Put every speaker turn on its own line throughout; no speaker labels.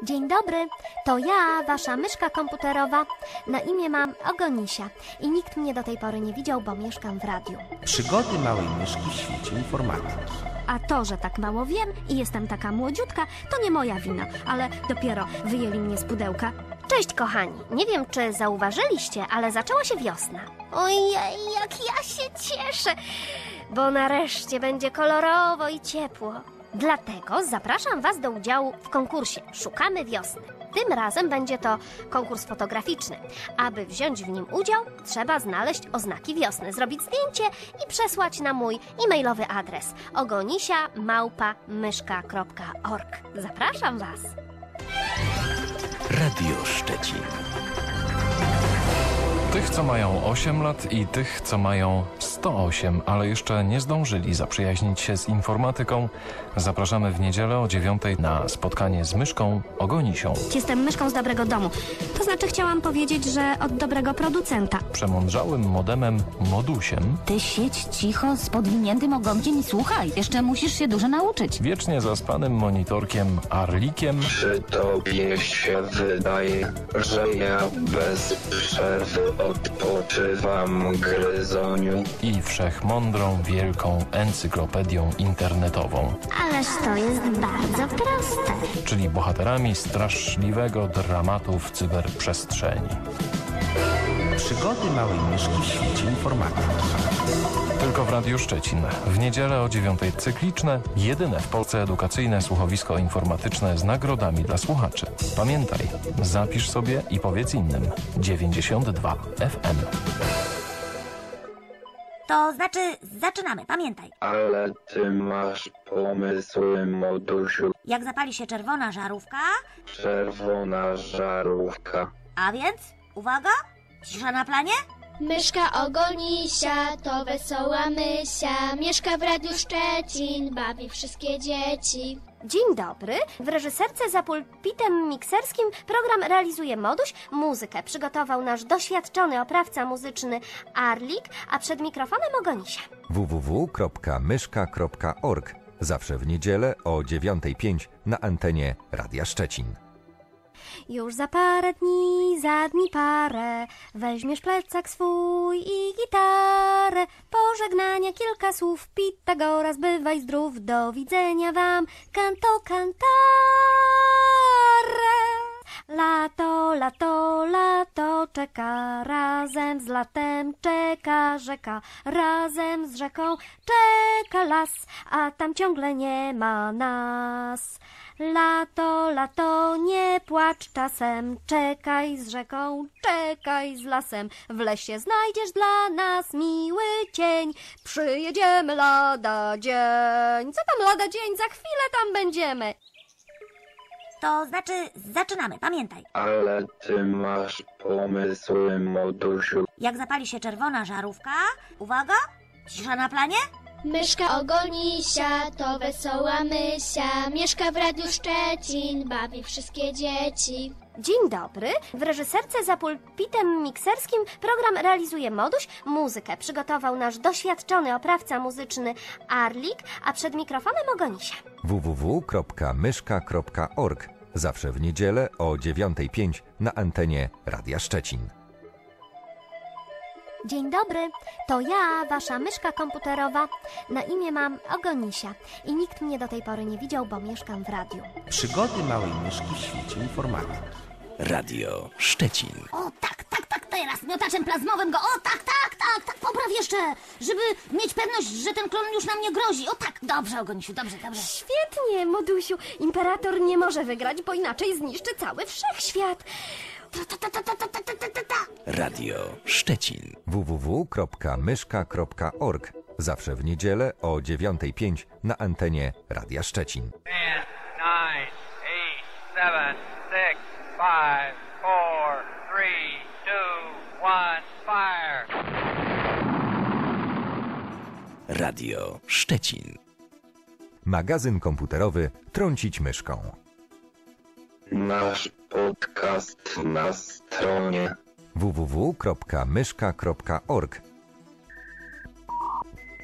Dzień dobry, to ja, wasza myszka komputerowa. Na imię mam Ogonisia i nikt mnie do tej pory nie widział, bo mieszkam w radiu.
Przygody małej myszki w świecie informatyki.
A to, że tak mało wiem i jestem taka młodziutka, to nie moja wina, ale dopiero wyjęli mnie z pudełka. Cześć kochani, nie wiem czy zauważyliście, ale zaczęła się wiosna. Ojej, jak ja się cieszę, bo nareszcie będzie kolorowo i ciepło. Dlatego zapraszam was do udziału w konkursie Szukamy Wiosny. Tym razem będzie to konkurs fotograficzny. Aby wziąć w nim udział, trzeba znaleźć oznaki wiosny, zrobić zdjęcie i przesłać na mój e-mailowy adres ogonisia@myszka.org. Zapraszam was!
Radio Szczecin.
Tych, co mają 8 lat i tych, co mają 108, ale jeszcze nie zdążyli zaprzyjaźnić się z informatyką, zapraszamy w niedzielę o 9:00 na spotkanie z myszką Ogonisią.
Jestem myszką z dobrego domu. To znaczy chciałam powiedzieć, że od dobrego producenta.
Przemądrzałym modemem Modusiem,
Ty siedź cicho z podwiniętym ogonkiem i słuchaj. Jeszcze musisz się dużo nauczyć.
wiecznie zaspanym monitorkiem Arlikiem
Czy tobie się wydaje, że ja bez przerwy odpoczywam, gryzoniu?
i wszechmądrą, wielką encyklopedią internetową,
Ależ to jest bardzo proste.
czyli bohaterami straszliwego dramatu w cyberprzestrzeni.
Przygody małej myszki w świecie informatyki.
Tylko w Radiu Szczecin. W niedzielę o 9:00 cykliczne, jedyne w Polsce edukacyjne słuchowisko informatyczne z nagrodami dla słuchaczy. Pamiętaj, zapisz sobie i powiedz innym. 92 FM.
To znaczy, zaczynamy, pamiętaj.
Ale ty masz pomysły, modusiu.
Jak zapali się czerwona żarówka,
Czerwona żarówka.
a więc, uwaga, cisza na planie.
Myszka Ogonisia to wesoła mysia, mieszka w Radiu Szczecin, bawi wszystkie dzieci.
Dzień dobry. W reżyserce za pulpitem mikserskim program realizuje Moduś. Muzykę przygotował nasz doświadczony oprawca muzyczny Arlik, a przed mikrofonem Ogonisia.
www.myszka.org. Zawsze w niedzielę o 9:05 na antenie Radia Szczecin.
Już za parę dni, za dni parę, weźmiesz plecak swój i gitarę. Pożegnania kilka słów, Pitagoras, bywaj zdrów, do widzenia wam, canto cantare. Lato, lato, lato czeka, razem z latem czeka rzeka, razem z rzeką czeka las, a tam ciągle nie ma nas. Lato, lato, nie płacz czasem, czekaj z rzeką, czekaj z lasem. W lesie znajdziesz dla nas miły cień, przyjedziemy lada dzień. Co tam lada dzień, za chwilę tam będziemy.
To znaczy, zaczynamy, pamiętaj.
Ale ty masz pomysły, modusiu.
Jak zapali się czerwona żarówka, uwaga, cisza na planie.
Myszka Ogonisia to wesoła mysia, mieszka w Radiu Szczecin, bawi wszystkie dzieci.
Dzień dobry. W reżyserce za pulpitem mikserskim program realizuje Moduś. Muzykę przygotował nasz doświadczony oprawca muzyczny Arlik, a przed mikrofonem Ogonisia.
www.myszka.org. Zawsze w niedzielę o 9:05 na antenie Radia Szczecin.
Dzień dobry, to ja, wasza myszka komputerowa. Na imię mam Ogonisia i nikt mnie do tej pory nie widział, bo mieszkam w radiu.
Przygody małej myszki w świecie informatyki.
Radio Szczecin.
O tak, teraz miotaczem plazmowym go, o tak, popraw jeszcze, żeby mieć pewność, że ten klon już nam nie grozi. O tak, dobrze, Ogonisiu, dobrze.
Świetnie, Modusiu. Imperator nie może wygrać, bo inaczej zniszczy cały wszechświat.
Radio Szczecin.
www.myszka.org. Zawsze w niedzielę o 9:05 na antenie Radia Szczecin.
10, 9, 8, 7, 6, 5, 4, 3, 2, 1, fire!
Radio Szczecin.
Magazyn komputerowy Trącić myszką.
Nasz podcast na stronie
www.myszka.org.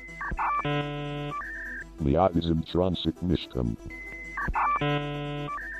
Magazyn Trącić myszką.